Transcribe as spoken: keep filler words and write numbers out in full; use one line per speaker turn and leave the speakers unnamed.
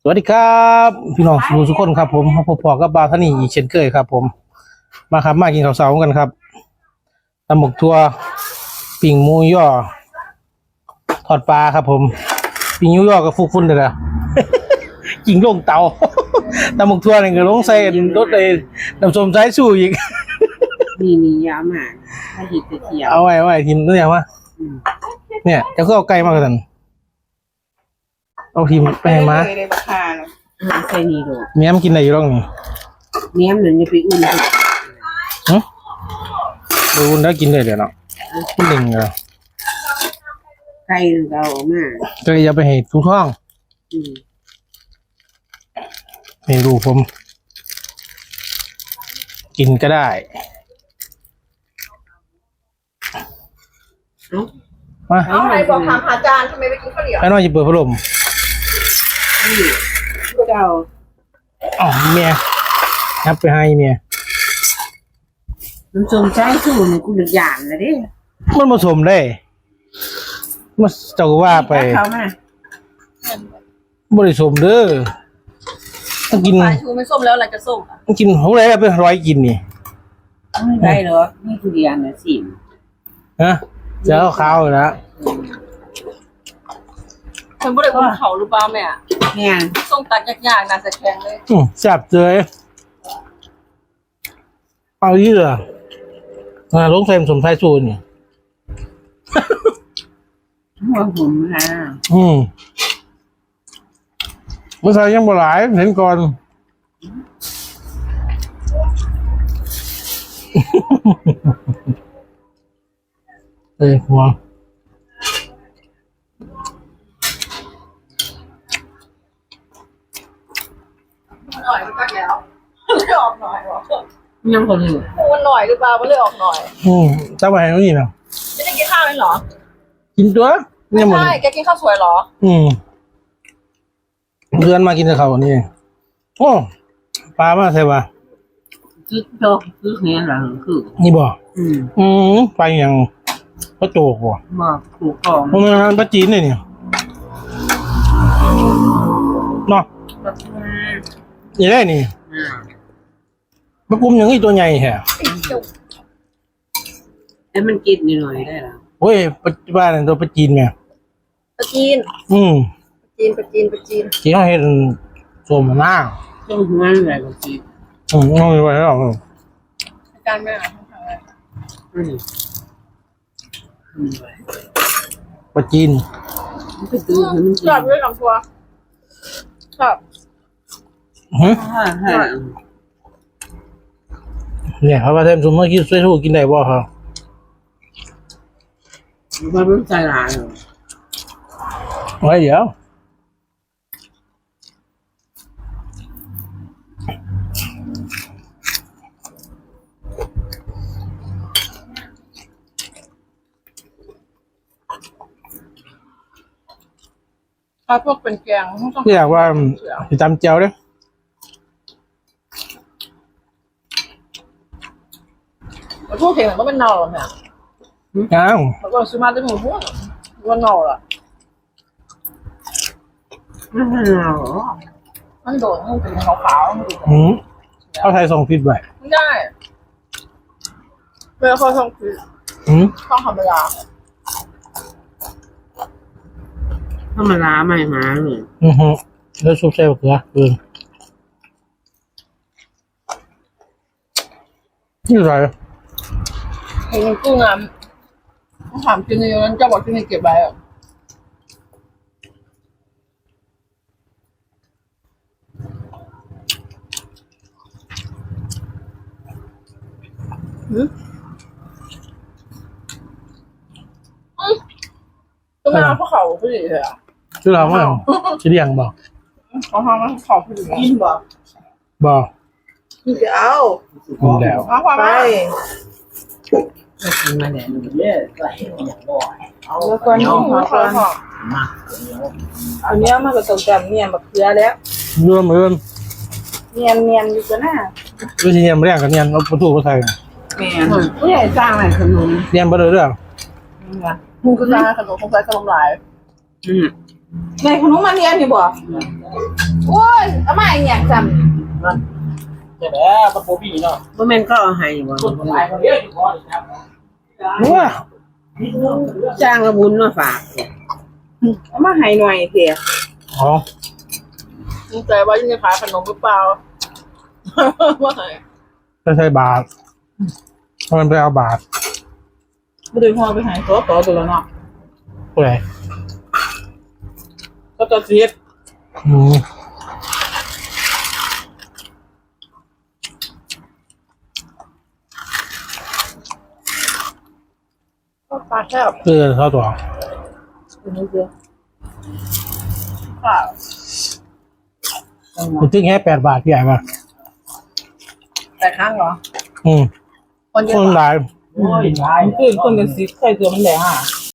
วัสดีครับพี่น้องทุกคนครับผมพบพอกับบาวท่านี่อีกเช่นเคยครับ ผมมาครับมากินข้าวเช้ากันครับตำหมกทั่วปิ่งหมูย่อทอดปลาครับ ผมปิ่งหมูย่อกับฟุกฟุ้นเลยนะกินลงเตาตำหมกทั่วนี่ก็ลงใส่รถเลยน้ำส้มสายสู้อีก
นี่นี่ยาวมากถ้าหิดจะเขียว
เอาไว้เอาไว้ทีมตัวอย่างว่าเนี่ยจะก็เอาไก่มากกว่านั้นเอาทีมไปให้มา
เลยราคาเนาะ
หาใส่นี่ดู
เมียมกินอะไรอยู่ร่องนี่
เนี้ยมันจะไปอุ่น
ฮะดูแล้วกินได้เดี๋ยวเนาะกินหนึ่งเหรอ
ไก่เราออกมา
ก็อย่าไปให้ทุกท้อง
อืม
ให้ดูผม กินก็ได้
เอ้า
มา
เอาไหนบอกถามหาจานทำไมไปกินข้าวเหนียว
ให้น้อยจะเปิดพัดลม
นี่เจ้า
อ๋อเมียนับไปให้เมีย
น้ำส้มสายสูนี่กูเดือดหยานเลยดิ
มันผสมได้มันเจ้าก็ว่าไป
เขามา
บริสมเด้อต้องกิน
ปลาชูไม่ส้มแล้วอะไรจะส้มอ่ะ
ต้องกินเขาเลยไปร้อยกินนี่
ไม่ได้หรอนี่ทุเรียนนะสิ
ฮะจะเอาข้าวเลยนะ
ฉันบ่ได้คนเขาหรือเปล่าแม่
เนี่ย
ส้มตัดยากๆน่าจะแข็งเลย
อืมแซ่บเลยเอาเยอะอ่าลงใส่สมไทยสูนนี่
หัวผมนะ
อืมเมื่อใส่ยังบ่หลายเห็นก่อน เอ้ยหัว
หน่อยมันก็แล้วเลยออกหน่อยวะ
ยังคนอยู่
มันหน่อยหรือเปล่ามันเลยออกหน่อย
อืมเจ้าไปให้น้องนี่นะ
ไม่ได้กินข้าวเลยเหรอ
กินตัว
ไม่
เนี่ยหมด
ใช่แกกินข้าวสวยเหรอ
อืมเดือนมากินกับเขาวนี่โอ้ปลามาใช่ปะ
คือโตคือเนี้ยหลังคือ
นี่บ่
อืม
อืมไปอย่างพระโจกบ่
บอกถูกของ
มันเป็นปลาจีนเลยเนี่ยเนาะ
แบบว่า
นี่ได้นี่
อ่า
ปลากุมอย่างนี้ตัวใหญ่แฮะ
แล้วมันกินนิดหน่อยได้หรอ
โอ้ยปลาปลาเนี่ยตัวปลาจีนไง
ปลาจีน
อืม
ปลาจีนปลาจีนปลาจีน
ที่เขาเห็นสมหน้า
ต้องหัวอะไรก็กิน
อืมเอาไปไว้แล้ว
อาจารย์แม่อะทำอะไร
อืมอืม
ปลาจีน
มันก็ดูให้มันกิน
ชอบด้วยลำตัวชอบ
ฮะ
ฮ่าฮ่า
เนี่ยเขาว่าเทมสมมติกินช่วยทูกินได้บ่ครับ
มันไม่ใจร้ายหรอ
ไว้เดี๋ยว
ถ้าพวกเป็นแกงต้อง
ที่อยากว่าสิจำเจียวเด้อ
พวกเห็นมันก็เป็นเน่าหรอแม่
อ้าว
แล้วก็ซื้อมาได้หมดพวกว่าเน่าล่ะ
ไม่ใช่หรอ
มันโดนมันเป็นขาวๆมันดู
หืมเอาไทยส่งผิดไว้
ไม่ได้เวลาเขาทำคือ
หืม
ต้องธรรมดา
ถ้ามาล้าใหม่มาเลย
อือฮึแล้วซุปใส่บักเขือเออนี่อะไร
เห็นกุ้งอ่ะต้องถามกินในนั้นจะบอกกินในเก็บไว้อ่ะหืมก็ไม่เอาพวกเขาผู้หญิงเลยอ่ะ
ชื่อเราว่าชื่อเรียงบอก
เขาทำให้เขาผู้หญิงกินบ่
บอก
กินจะเอา
มึงแล้ว
เอาความไป
ไม่กินมาเนี่ยเยอะไหลอย่างบ่อย
แล้วก็นุ่มแล้วก็
มาก
อันนี้มันก็ต้องจำเนียนแบบเกลือแล้ว
เรื่อมเรื่อม
เนียนเนียนอยู่กันหน้า
วิธีเนียนไม่เรียงกับเนียนเอาประตูมาใส่
แม่
ผู้ใหญ่สร้างอะไรขนม
เนียนไปเลยเรื่อง
มึงก็ได้ขนมคงใส่ขนมหลาย
อืม
ในขนมมันเนียนอยู่บ่โอ้ยทำไมอย่างจ
จะแล้วปะโปบี้เนาะบ่แม่นเขาเอาให้บ่
นัว
จ้างละบุญมาฝาก
ำเอามาให้หน่อยเถอะ
อ๋อ
สงสัยว่าจะขายขนมหรือเปล่าว่าไง
ไม่ใช่บาทมันไปเอาบาท
ไม่ได้พอไปหายตัวต่อตัวแล้วเนาะ
ผู้ใด
ก็จะเสียด
อืม
ก็ปลาแคบ
เออเข้าตัว
เป็นนี้เดียวค่ะ
มันจึงแค่แปดบาทใหญ่ป่ะ
แต่ครั้งเหรอ
อืม
คนเย
ค
อะ
นหลาย
โอ้ยหลาย
คือคนเป็นสิบใครตัวมันแดงอ่ะ